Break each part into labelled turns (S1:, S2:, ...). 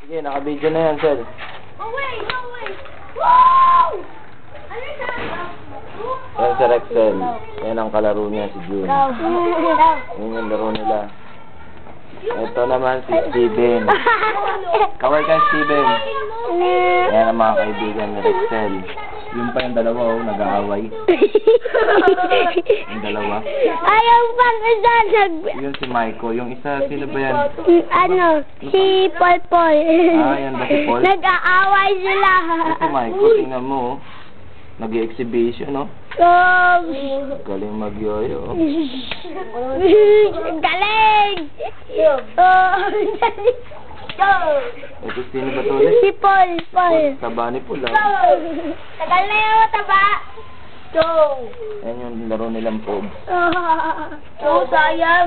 S1: Sige, naka-video na yan, Sel.
S2: Oh, wait, no, wait. Wow! Ano siya?
S1: Yan si Rexel. Yan ang kalaro niya, si June. Yan yung laro nila. Ito naman si Steven. Kaway ka, Steven. Yan ang mga kaibigan ni Rexel. Yung pa yung dalawa, oh, nag-aaway. Yung dalawa.
S3: Ayaw pang isa
S1: Yun si Maiko. Yung isa, sino ba yan?
S3: si Paul.
S1: Ah, yan ba si Paul?
S3: Nag-aaway sila.
S1: Ito si Maiko, tingnan mo, oh. Nag-exhibition, no? Galing mag-yoyo.
S3: Galing!
S1: Ito, sino ba to ulit?
S3: Si Paul.
S1: Taba ni Paul, ah.
S3: Tagal na yung taba.
S1: Yan yung laro nilang Pogs.
S3: Sayang.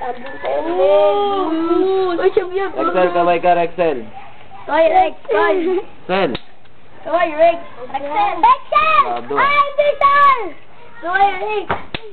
S1: Rexel, kaway ka, Rexel.
S3: Rex.
S1: Sel.
S3: Rexel!
S1: Lado.
S3: Ay, Rexel! Rex!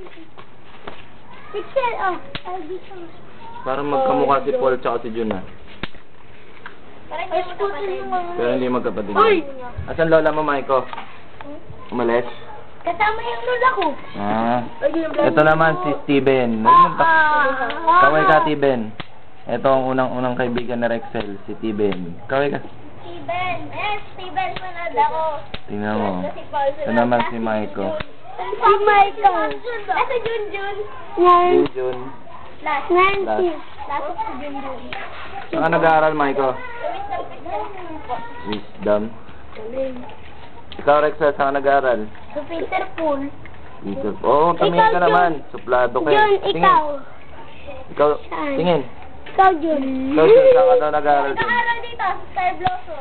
S3: Rexel, oh. Ay, Rexel.
S1: Parang magkamukha si Paul tsaka si June, ah.
S3: Ay, scooter mo.
S1: Pero hindi magkapatid.
S3: Uy!
S1: Asan lola mo, Maiko? Umalis?
S3: Kasama yung lola ko.
S1: Ah. Ito naman si Steven. Kaway ka, Steven. Ito ang unang kaibigan ni Rexel, si Steven. Kaway ka.
S3: Steven, manood ako.
S1: Tingnan mo. Ito naman si Maiko.
S3: Si Michael. Ito Junjun.
S1: Si June.
S3: Nancy.
S2: Last si Junjun.
S1: Saan ka nag-aaral, Maiko? Wisdom. Ikaw, Rexel, saan ka nag-aaral?
S3: Si Peter Pool.
S1: Peter. Oo, tumingin ka naman. Suplado ka.
S3: Jun, ikaw.
S1: Ikaw, tingin.
S3: Ikaw, Jun.
S1: Ikaw, Jun, saan ka daw nag-aaral dun?
S2: Nag-aaral dito sa Star Blossom.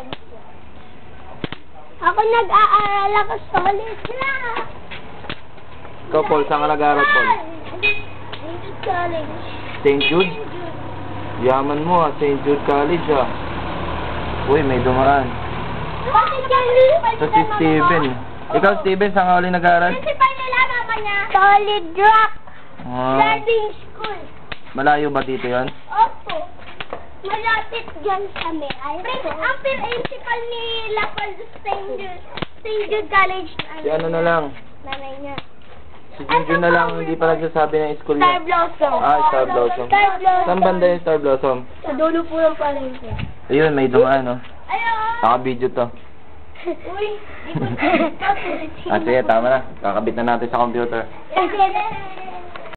S3: Ako nag-aaral ako solid na.
S1: Ikaw, Paul, saan ka nag-aaral, Paul?
S3: College.
S1: St. Jude? Yaman mo, ah. St. Jude College, ah. Uy, may dumaan. Ito si Steven. Ikaw, Steven, saan ka ulit nag-aaral?
S2: Principal nila, mama niya.
S3: Solid Rock.
S1: Ah,
S3: Driving School.
S1: malayo ba dito yan?
S3: Opo. Malapit dyan kami.
S2: Ang principal ni Lapal St. Jude College.
S1: Si ano na lang?
S2: Nanay niya.
S1: Si Junjun na lang, hindi pa nagsasabi ng school
S3: Star
S1: niya.
S3: Blossom.
S1: Ah, Star Blossom.
S3: Star Blossom.
S1: Saan banda yung Star Blossom?
S3: Sa dulo po ng palengke.
S1: Ayun, may dumaan, no?
S2: Ayaw.
S1: Naka-video to.
S2: Uy, di ko.
S1: Ah, sige, tama na. Kakabit na natin sa computer.
S3: Kasi